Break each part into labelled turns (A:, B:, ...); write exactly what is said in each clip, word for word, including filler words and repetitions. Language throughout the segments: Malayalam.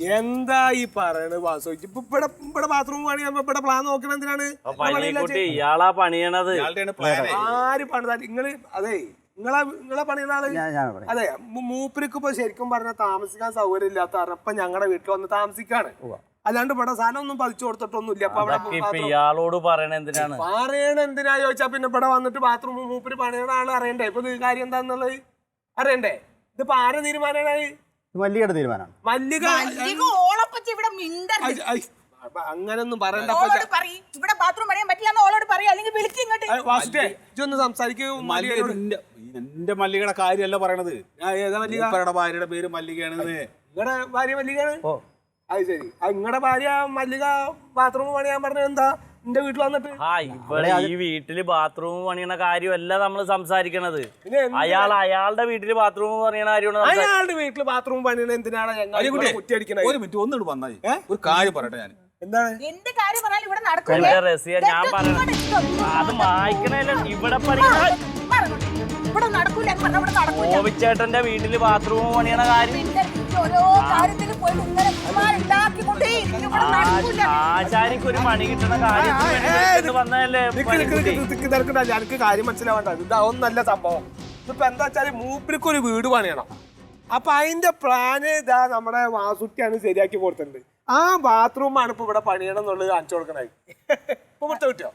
A: എന്താ ഈ പറയണത് വാസു? ഇപ്പൊ ഇവിടെ ഇവിടെ ബാത്റൂം പണിയാകുമ്പോ ഇവിടെ പ്ലാൻ നോക്കണ എന്തിനാണ്?
B: ഇയാളാ പണിയണത്.
A: ആര് പണിതാ നിങ്ങള്? അതെ നിങ്ങളെ നിങ്ങളെ പണിയുന്ന ആള്. അതെ മൂപ്പർക്ക് ഇപ്പൊ ശരിക്കും പറഞ്ഞാൽ താമസിക്കാൻ സൗകര്യം ഇല്ലാത്ത കാരണം ഇപ്പൊ ഞങ്ങളുടെ വീട്ടിൽ വന്ന് താമസിക്കാണ്. അല്ലാണ്ട് ഇവിടെ സാധനം ഒന്നും പതിച്ചു കൊടുത്തിട്ടൊന്നും ഇല്ല.
B: ഇയാളോട് പറയണ എന്തിനാണ്?
A: പറയണ എന്തിനാ ചോദിച്ചാ പിന്നെ ഇവിടെ വന്നിട്ട് ബാത്റൂം മൂപ്പര് പണിയണ ആള് അറിയണ്ടേ? ഇപ്പൊ കാര്യം എന്താന്നുള്ളത് അറിയണ്ടേ? ഇതിപ്പോ ആരെ തീരുമാനമാണ്?
C: മല്ലികയുടെ തീരുമാനമാണ്.
A: മല്ലിക അങ്ങനൊന്നും പറയണ്ട.
D: എന്റെ മല്ലികയുടെ കാര്യമല്ല പറയണത്. ഏതാ ഭാര്യയുടെ പേര് മല്ലികയാണ്.
A: നിങ്ങളുടെ ഭാര്യ മല്ലികയാണ്? അത് ശരി. നിങ്ങളുടെ ഭാര്യ മല്ലിക ബാത്റൂം പണിയാൻ പറഞ്ഞത് എന്താ? എന്റെ വീട്ടിൽ വന്നിട്ട്
B: ഇവിടെ ഈ വീട്ടില് ബാത്റൂം പണിയണ കാര്യമല്ല നമ്മള് സംസാരിക്കണത്. അയാൾ അയാളുടെ വീട്ടില് ബാത്റൂം പണിയണ കാര്യമാണ്.
A: അയാളുടെ വീട്ടില് ബാത്റൂം പണിയണ എന്തിനാണ് കുറ്റി അടിക്കണത്?
D: ഒരു മിനിറ്റ് ഒന്നിട്ട് വന്നാൽ ഒരു കാര്യം പറയട്ടെ. ഞാൻ
A: എന്താണ്
B: റസിയ ഞാൻ പറയണത്? അത് വായിക്കണല്ലോ. ഇവിടെ ഗോപിച്ചേട്ടന്റെ വീട്ടില് ബാത്റൂം പണിയണ കാര്യം ആചാരിക്ക് ഒരു പണി കിട്ടണ കാര്യം വന്നതല്ലേ?
A: എനിക്ക് കാര്യം മനസ്സിലാവണ്ട. ഇതൊന്നല്ല സംഭവം. ഇതിപ്പോ എന്താ വെച്ചാല് മൂപ്പർക്ക് ഒരു വീട് പണിയണം. അപ്പൊ അതിന്റെ പ്ലാന് ഇതാ നമ്മുടെ വാസുട്ടിയാണ് ശരിയാക്കി കൊടുത്തിട്ടുണ്ട്. ആ ബാത്റൂമാണ് ഇപ്പൊ ഇവിടെ പണിയണം എന്നുള്ളത് കാണിച്ചു കൊടുക്കണേ. ഇപ്പൊ പുറത്ത് കിട്ടിയോ?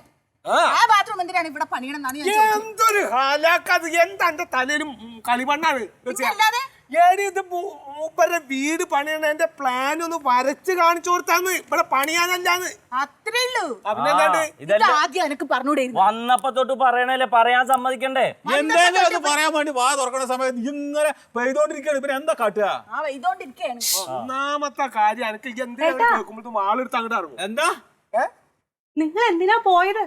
A: എന്തൊരു ഹാലാക്കത്! എന്താ എന്റെ തലയിലും കളിമണ്ണാണ്. ഇത് മൂപ്പരുടെ വീട് പണിയണ എന്റെ പ്ലാൻ ഒന്ന് വരച്ച് കാണിച്ചു കൊടുത്താന്ന്. ഇവിടെ പണിയാനല്ലാന്ന്.
B: വന്നപ്പോ തൊട്ട് പറയണല്ലേ, പറയാൻ സമ്മതിക്കണ്ടേ?
D: എന്തായാലും അത് പറയാൻ വേണ്ടി വാ തുറക്കണ സമയത്ത് ഇങ്ങനെ പെയ്തോണ്ടിരിക്കുകയാണ്. ഇവര് എന്താ കാട്ടുക?
A: ഒന്നാമത്തെ കാര്യം എനിക്ക് എന്തിനാ കേൾക്കുമ്പോ ആളെടുത്ത് അങ്ങോട്ട് ഇറങ്ങും.
D: എന്താ
E: നിങ്ങൾ എന്തിനാ പോയത്?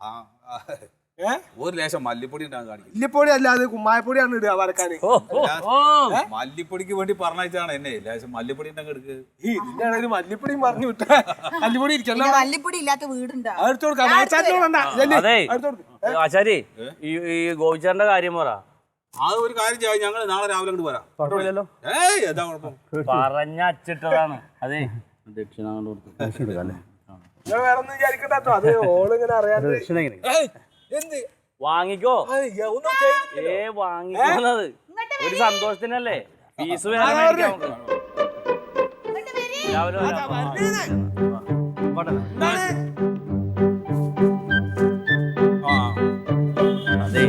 D: ഒരു ലേശം മല്ലിപ്പൊടി ഉണ്ടാകാൻ കാണിക്കും.
A: മല്ലിപ്പൊടി അല്ലാതെ കുമ്മായപ്പൊടിയാണ് ഇടുക വരക്കാന്.
D: മല്ലിപ്പൊടിക്ക് വേണ്ടി പറഞ്ഞാണ് എന്നെ. ലേശം മല്ലിപ്പൊടി ഉണ്ടെങ്കിൽ എടുക്ക്.
A: ഇതിന്റെ മല്ലിപ്പൊടി പറഞ്ഞു വിട്ട മല്ലിപ്പൊടി ഇരിക്കണ്ട.
E: മല്ലിപ്പൊടി ഇല്ലാത്ത വീടുണ്ടാ?
B: അതെ ആചാരി, ഈ ഗോപിച്ചേട്ടന്റെ കാര്യം പറ.
D: അത് ഒരു കാര്യം ചെയ്യാം, ഞങ്ങൾ നാളെ രാവിലെ അങ്ങോട്ട് വരാം.
B: കുഴപ്പമില്ലല്ലോ.
D: ഏയ് എന്താ കുഴപ്പം?
B: പറഞ്ഞ അച്ചിട്ടതാണ്. അതെ ദക്ഷിണ
A: വേറൊന്നും വിചാരിക്കട്ടോ. അത് ഓളിങ്ങനെ അറിയാതെ
B: വാങ്ങിക്കോ. ഏ വാങ്ങിക്കുന്നത് ഒരു സന്തോഷത്തിനല്ലേ? ഫീസ് വേറെ അതെ.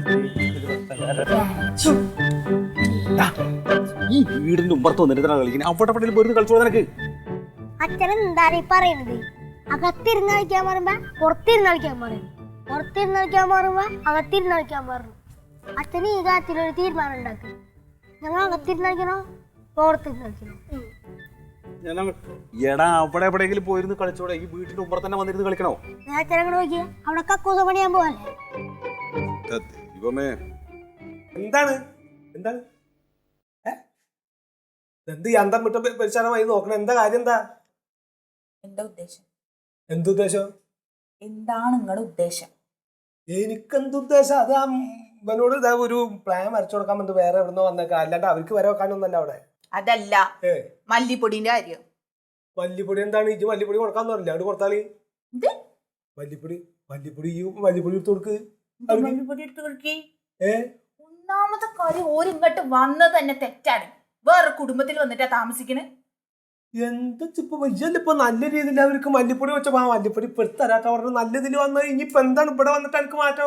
D: ഈ വീടിന്റെ ഉമ്പർത്ത് വന്നിട്ട് കളിക്കുന്നത് അവിടെ പട്ടിയിൽ വെറുതെ കളിച്ചോ നിനക്ക്?
F: അച്ഛനെന്താ പറയുന്നത്? അകത്തിരുന്ന് കളിക്കാൻ പറയുമ്പോ പുറത്തിരുന്ന് കളിക്കാൻ പറയും, പുറത്തിരുന്ന് കളിക്കാൻ പറയുമ്പോ അകത്തിരുന്ന് കളിക്കാൻ പറഞ്ഞു. അച്ഛന് ഈ കാര്യത്തിലൊരു തീരുമാനം ഉണ്ടാക്കി. ഞങ്ങൾ അകത്തിരുന്ന് കളിക്കണോ പുറത്തിരുന്ന് കളിക്കണോ?
D: എടാ അവിടെ എവിടെയെങ്കിലും പോയിരുന്ന് കളിച്ചോടെ. ഈ വീട്ടിന്റെ ഉമ്പർ തന്നെ വന്നിരുന്ന് കളിക്കണോ?
F: ഞാൻ അച്ഛനങ്ങോട്ട് നോക്കിയാ അവിടെ കക്കൂസ പണിയാൻ പോവല്ലേ?
A: എന്താണ് എന്താണ് എന്ത് അന്തം വിട്ട പരിശാലമായി നോക്കണം? എന്താ കാര്യം? എന്താ
E: എന്താ ഉദ്ദേശം?
A: എന്തുദ്ദേശം?
E: എന്താണ് നിങ്ങളുടെ ഉദ്ദേശം?
A: എനിക്കെന്തുദ്ദേശം? അത് ആ ഇവനോട് ഇതാ ഒരു പ്ലാൻ വരച്ചു കൊടുക്കാൻ വേണ്ടി വേറെ എവിടുന്നോ വന്നേക്കാം. അല്ലാണ്ട് അവർക്ക് വരെ വെക്കാനൊന്നല്ല അവിടെ.
E: അതല്ല മല്ലിപ്പൊടിന്റെ കാര്യം.
A: മല്ലിപ്പൊടി എന്താണ്? ഇജ്ജ് മല്ലിപ്പൊടി കൊടുക്കാന്ന് പറഞ്ഞില്ല, അവിടെ കൊടുത്താളി. മല്ലിപ്പൊടി മല്ലിപ്പൊടി ഈ മല്ലിപ്പൊടി എടുത്ത് കൊടുക്ക്.
E: മല്ലിപ്പൊടി എടുത്ത് കൊടുക്കേ.
A: ഏ
E: ഒന്നാമത്തെ കാര്യം ഓരിങ്ങോട്ട് വന്നത് തന്നെ തെറ്റാണ്. വേറെ കുടുംബത്തിൽ വന്നിട്ടാ താമസിക്കണേ.
A: എന്താ ഇപ്പൊ വയ്യല്ലോ. ഇപ്പൊ നല്ല രീതിയിൽ അവർക്ക് മല്ലിപ്പൊടി വെച്ചപ്പോ ആ മല്ലിപ്പൊടി ഇപ്പൊ എടുത്തരാട്ടോ പറഞ്ഞു. നല്ല ഇതിൽ വന്ന ഇനിയിപ്പൊ എന്താണ് ഇവിടെ വന്നിട്ട് എനിക്ക് മാറ്റം?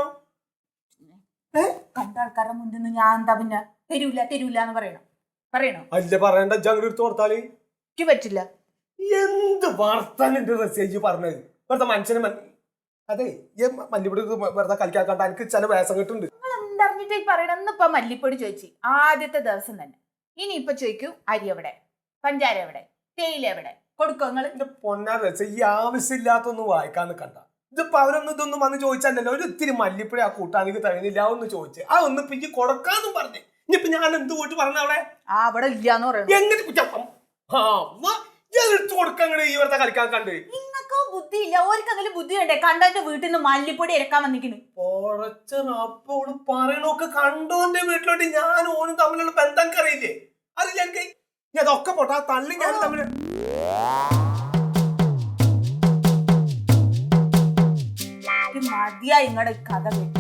E: കണ്ട ആൾക്കാരുടെ മുന്നിൽ നിന്ന് ഞാൻ എന്താ പിന്നെ തരൂല തരൂല എന്ന് പറയണം? പറയണോ?
A: അല്ല പറയണ്ട. ജങ്ങട് എടുത്ത് കൊടുത്താല്
E: എനിക്ക് പറ്റില്ല.
A: എന്ത് വാർത്താനുണ്ട് റസേജ് പറഞ്ഞത്? വെറുതെ മനുഷ്യന് അതെ ഈ മല്ലിപ്പൊടി വെറുതെ കളിക്കാക്കണ്ട. എനിക്ക് ചില വേഷം കിട്ടുന്നുണ്ട്.
E: നിങ്ങൾ എന്തറിഞ്ഞിട്ട് പറയണം? ഇന്നിപ്പൊ മല്ലിപ്പൊടി ചോദിച്ചു ആദ്യത്തെ ദിവസം തന്നെ. ഇനി ഇപ്പൊ ചോദിക്കൂ അരി എവിടെ, പഞ്ചാര എവിടെ, തേയില എവിടെ? കൊടുക്കോ നിങ്ങൾ?
A: എന്റെ പൊന്നാ രസ ഈ ആവശ്യമില്ലാത്തൊന്നും വായിക്കാൻ നിൽക്കണ്ട. ഇതിപ്പോ അവരൊന്നും ഇതൊന്നും വന്ന് ചോദിച്ചല്ലോ. ഒരു ഇത്തിരി മല്ലിപ്പൊടി ആ കൂട്ടാనికి തഴുന്നില്ല ഒന്ന് ചോദിച്ചു. ആ ഒന്ന് പിഞ്ച് കൊടുക്കാന്നും പറഞ്ഞു. ഇനിയിപ്പൊ ഞാൻ എന്ത് പോയിട്ട് പറഞ്ഞ അവിടെ
E: ആ അവിടെ ഇല്ലാന്ന് പറയുന്നത്
A: എങ്ങനെ എടുത്തു കൊടുക്കാൻ ഈ വെറുതെ കളിക്കാൻ കണ്ട്?
E: നിങ്ങൾക്കോ ബുദ്ധി ഇല്ല. ഓർക്കെങ്കിലും ബുദ്ധി വേണ്ടേ? കണ്ടന്റെ വീട്ടിൽ നിന്ന് മല്ലിപ്പൊടി ഇറക്കാൻ വന്നിക്കണ്.
A: അപ്പോള് പറയണൊക്കെ കണ്ടോന്റെ വീട്ടിലോട്ട് ഞാൻ ഓനും തമ്മിലുള്ള ബന്ധം അറിയില്ലേ? അറിയില്ല എനിക്ക്. ഇനി അതൊക്കെ പോട്ടെ ആ തള്ളി ഞാൻ തമ്മിൽ
E: മതിയാ ഇങ്ങടെ കഥ കേട്ടു.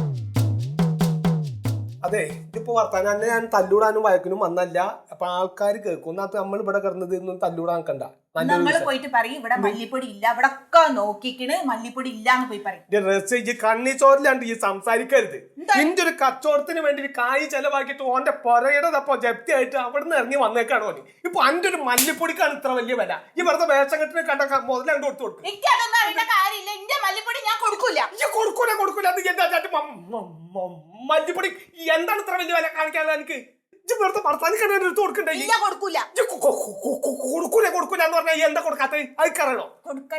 A: അതെ ഇതിപ്പോ വർത്താനം തന്നെ ഞാൻ തല്ലൂടാനും വഴക്കിനും വന്നല്ല. അപ്പൊ ആൾക്കാർ കേൾക്കും. ഒന്നാമത്തെ നമ്മൾ ഇവിടെ കിടന്നത് ഒന്നും തല്ലൂടാൻ കണ്ട.
E: നമ്മള് പോയിട്ട് പറയും ഇവിടെ മല്ലിപ്പൊടി ഇല്ല, ഇവിടെ ഒക്കെ നോക്കിക്കണ് മല്ലിപ്പൊടി ഇല്ലാന്ന് പോയി പറയും.
A: കണ്ണി ചോറിലാണ്ട് ഈ സംസാരിക്കരുത്. നിന്റെ ഒരു കച്ചവടത്തിന് വേണ്ടി കായ് ചെലവാക്കിയിട്ട് ഓന്റെ പൊരയുടെ തപ്പോ ജപ്തി ആയിട്ട് അവിടുന്ന് ഇറങ്ങി വന്നേക്കാണ് ഓന്. ഇപ്പൊ അന്റെ ഒരു മല്ലിപ്പൊടിക്കാണ് ഇത്ര വലിയ വില. ഈ വെറുതെ വേഷം കെട്ടിന് കണ്ട മുതൽ അങ്ങോട്ട് കൊടുത്തു കൊടുക്കും.
E: എനിക്കതൊന്നും അറിയേണ്ട കാര്യമില്ല. എന്റെ മല്ലിപ്പൊടി ഞാൻ കൊടുക്കൂല.
A: കൊടുക്കൂല കൊടുക്കൂല അത് എന്താ മല്ലിപ്പൊടി എന്താണ് ഇത്ര വലിയ വില കാണിക്കാൻ എനിക്ക്? വെറുതെ വർത്താനിക്കാൻ എടുത്ത് കൊടുക്കണ്ടേ?
E: കൊടുക്കൂല
A: കൊടുക്കൂല കൊടുക്കൂല എന്ന് പറഞ്ഞാൽ എന്താ കൊടുക്കാത്ത അയക്കറിയണോ?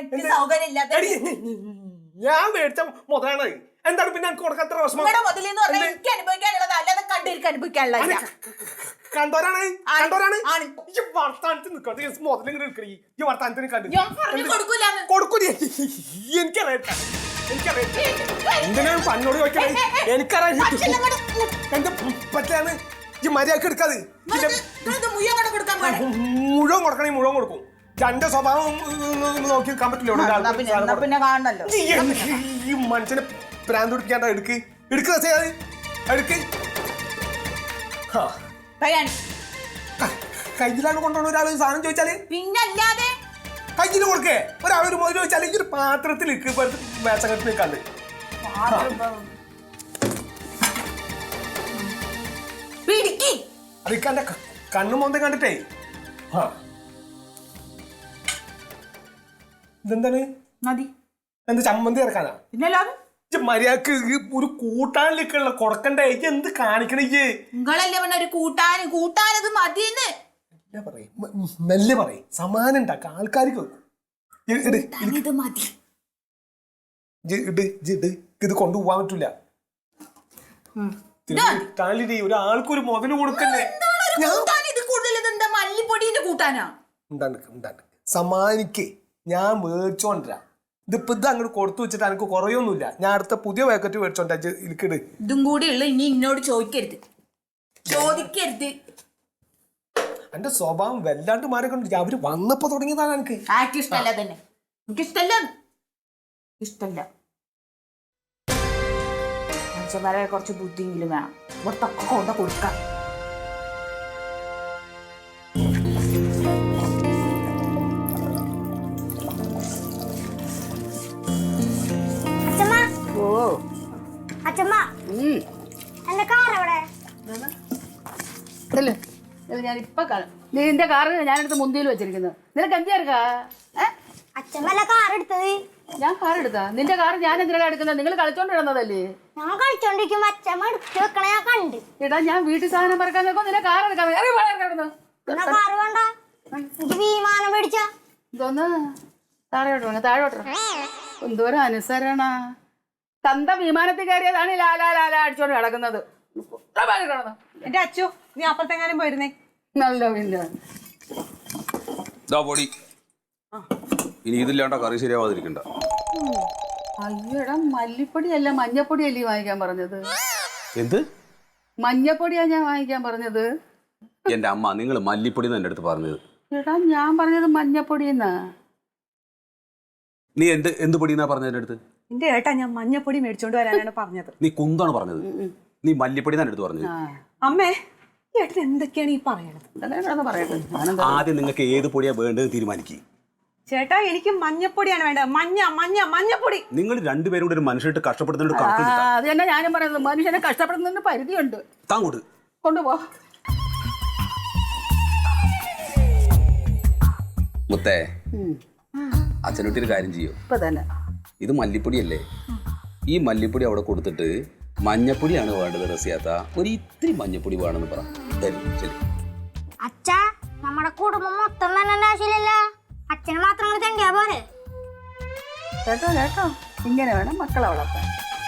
A: ഞാൻ മേടിച്ച മുതലാണ്. എന്താണ് പിന്നെ എനിക്ക് കൊടുക്കാത്ത വിഷമം?
E: എനിക്ക് അനുഭവിക്കാനുള്ളത് അല്ലാതെ കണ്ടിരിക്കാൻ അനുഭവിക്കാനുള്ള
A: കണ്ടോരാണ് കണ്ടോരാണ് ഈ വർത്താനത്തിന് നിൽക്കട്ടെ. മുതലിങ്ങനെ എടുക്കണേ ഈ വർത്താനത്തിന് കണ്ടു കൊടുക്കൂല. എനിക്കറിയാം എനിക്കറിയാം എന്തിനാണ് പന്നോട് ചോദിക്കണേ? എനിക്കറിയാം എന്റെ പറ്റാണ് ഈ മര്യാദക്ക് എടുക്കാതെ. മുഴുവൻ കൊടുക്കണേ മുഴുവൻ കൊടുക്കും. എന്റെ സ്വഭാവം നോക്കി എടുക്കാൻ പറ്റില്ല. ഈ മനുഷ്യനെ പ്രാന്ത് പിടിക്കാണ്ട എടുക്ക് എടുക്കുക എടുക്ക്. കയ്യിലാണ് കൊണ്ടുപോകണ ഒരാൾ സാധനം ചോദിച്ചാല്
E: പിന്നല്ലാതെ
A: കയ്യിൽ കൊടുക്കേ. ഒരാളൊരു മുതൽ ചോദിച്ചാൽ ഈ ഒരു പാത്രത്തിൽ വേഷകെട്ട് നിൽക്കാണ്ട് അതൊക്കെ കണ്ണു മോന്തം കണ്ടിട്ടേ. ഇതെന്താണ് എന്ത് ചമ്മന്തി ഇറക്കാനാ? മര്യാദക്ക് ഒരു കൂട്ടാനിലേക്കുള്ള കൊടുക്കണ്ടേ? എന്ത് കാണിക്കണേ?
E: നിങ്ങളല്ലേ പറഞ്ഞ ഒരു കൂട്ടാന് കൂട്ടാനത് മതിയെന്ന്
A: പറയും. മെല്ലെ പറയും. സമാനം ഉണ്ടാക്ക ആൾക്കാർക്ക്
E: ഇത് മതി.
A: ഇത് കൊണ്ടുപോകാൻ പറ്റൂല. ഒരാൾക്കൊരു മുതല് കൊടുക്കണ്ടേ?
E: മല്ലിപ്പൊടിന്റെ കൂട്ടാനാ
A: സമാനിക്കേ. ഞാൻ മേടിച്ചോണ്ടരാ. ഇതിപ്പോ ഇത് അങ്ങോട്ട് കൊടുത്തു വെച്ചിട്ട് എനിക്ക് കുറയൊന്നുമില്ല. ഞാൻ അടുത്ത പുതിയ പാക്കറ്റ് മേടിച്ചോണ്ടാ. എനിക്കിട്
E: ഇതും കൂടി ഉള്ള ഇനി എന്നോട് ചോദിക്കരുത് ചോദിക്കരുത്.
A: എന്റെ സ്വഭാവം വല്ലാണ്ട് മാറിക്കൊണ്ട് അവര് വന്നപ്പോ തുടങ്ങിയതാണ്. എനിക്ക്
E: ആർക്കും ഇഷ്ടമല്ല തന്നെ. എനിക്കിഷ്ടല്ല ഇഷ്ടല്ല. മനുഷ്യന്മാരെ കുറച്ച് ബുദ്ധിയെങ്കിലും വേണം. ഇവിടത്തൊക്കെ കൊണ്ട് കൊടുക്കാം.
C: ഞാൻ ഇപ്പൊ കാണും. നീ നിന്റെ കാറ് ഞാനെടുത്ത് മുന്തിയിൽ വെച്ചിരിക്കുന്നത്. നിനക്ക് എന്തിയാ?
F: അച്ഛമ്മല്ല കാർ എടുത്തത്.
C: ഞാൻ കാർ എടുത്താ? നിന്റെ കാർ ഞാൻ എന്തിനാ എടുക്കുന്നത്? നിങ്ങൾ കളിച്ചോണ്ടിരുന്നതല്ലേ?
F: ഞാൻ കളിച്ചോണ്ടിരിക്കുമ്പോ അച്ഛമ്മ എടുത്ത് വെക്കണ ഞാൻ കണ്ട്.
C: എടാ ഞാൻ വീട്ടിൽ സാധനം പറക്കാൻ നോക്കും. നിന്റെ കാർ എടുക്കാൻ
F: കാറ് വേണ്ട. എനിക്ക് വിമാനം മേടിച്ച
C: ഇതൊന്ന് താഴോട്ടോ താഴോട്ടോ. എന്തോരം അനുസരണ. തന്ത വിമാനത്തിൽ കയറിയതാണ് ലാലാ ലാലാ അടിച്ചോണ്ട് കിടക്കുന്നത്.
G: എന്റെ അച്ചു നീ അപ്പത്തെങ്ങാനും പോയിരുന്നേ.
C: നല്ല പിന്നെ
H: പൊടി ഇനി ഇതില്ലാണ്ട കറി ശരിയാവാതിരിക്കണ്ട.
C: അയ്യോടാ മല്ലിപ്പൊടി അല്ല മഞ്ഞപ്പൊടി അല്ലേ വാങ്ങിക്കാൻ പറഞ്ഞത്?
H: എന്ത്
C: മഞ്ഞപ്പൊടിയാ ഞാൻ വാങ്ങിക്കാൻ പറഞ്ഞത്?
H: എന്റെ അമ്മ നിങ്ങൾ മല്ലിപ്പൊടി എന്റെ അടുത്ത് പറഞ്ഞത്.
C: എടാ ഞാൻ പറഞ്ഞത് മഞ്ഞപ്പൊടിയെന്നാ.
H: നീ എന്ത് എന്ത് പൊടിയെന്നാ പറഞ്ഞത് എന്റെ അടുത്ത്?
G: എന്റെ ഏട്ടാ ഞാൻ മഞ്ഞപ്പൊടി മേടിച്ചോണ്ട് വരാനാണ് പറഞ്ഞത്.
H: നീ കുന്താണ് പറഞ്ഞത്. നീ മല്ലിപ്പൊടി എന്റെ അടുത്ത് പറഞ്ഞത്.
G: അമ്മേ ഏട്ടൻ എന്തൊക്കെയാണ് ഈ പറയണത്?
H: ആദ്യം നിങ്ങൾക്ക് ഏത് പൊടിയാ വേണ്ടത് തീരുമാനിക്കുക.
G: ചേട്ടാ എനിക്ക് മഞ്ഞപ്പൊടിയാണ് വേണ്ടത്. മഞ്ഞ മഞ്ഞ മഞ്ഞപ്പൊടി.
H: നിങ്ങൾ രണ്ടുപേരും കൂടെ ഒരു മനുഷ്യട്ട് കഷ്ടപ്പെടുന്നുണ്ട്.
C: അത് തന്നെ ഞാനും പറയുന്നത്. മനുഷ്യനെ കഷ്ടപ്പെടുന്നതിന് പരിധിയുണ്ട്.
H: താങ്ങോട്ട്
C: കൊണ്ടുപോ.
H: മുത്തേ അച്ഛനോട്ടൊരു കാര്യം ചെയ്യോ?
C: ഇപ്പൊ തന്നെ
H: ഇത് മല്ലിപ്പൊടിയല്ലേ? ഈ മല്ലിപ്പൊടി അവിടെ കൊടുത്തിട്ട് മഞ്ഞപ്പൊടിയാണ് വേണ്ടത് റസിയാത്ത. ഒരു ഇത്തിരി മഞ്ഞപ്പൊടി വേണമെന്ന് പറ. തരും ശരി.
F: അച്ഛാ നമ്മുടെ കുടുംബം മൊത്തം തന്നെ ആവശ്യമില്ലല്ല. അച്ഛന് മാത്രം തണ്ടിയാ പോലെ.
C: കേട്ടോ കേട്ടോ ഇങ്ങനെ വേണം മക്കളെ വളർത്താൻ.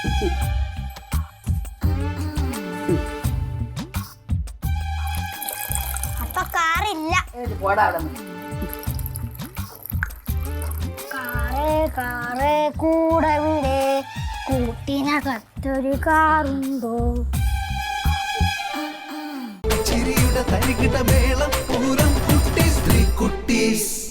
F: അപ്പൊ കാറില്ല.
C: പോടാ.
F: കാറ് കാറ് കൂടെ വീട് കൂട്ടിനകത്തൊരു കാറുണ്ടോ?
I: ചിരിയുടെ തരികിട മേളം പൂരം കുട്ടി കുട്ടീസ്.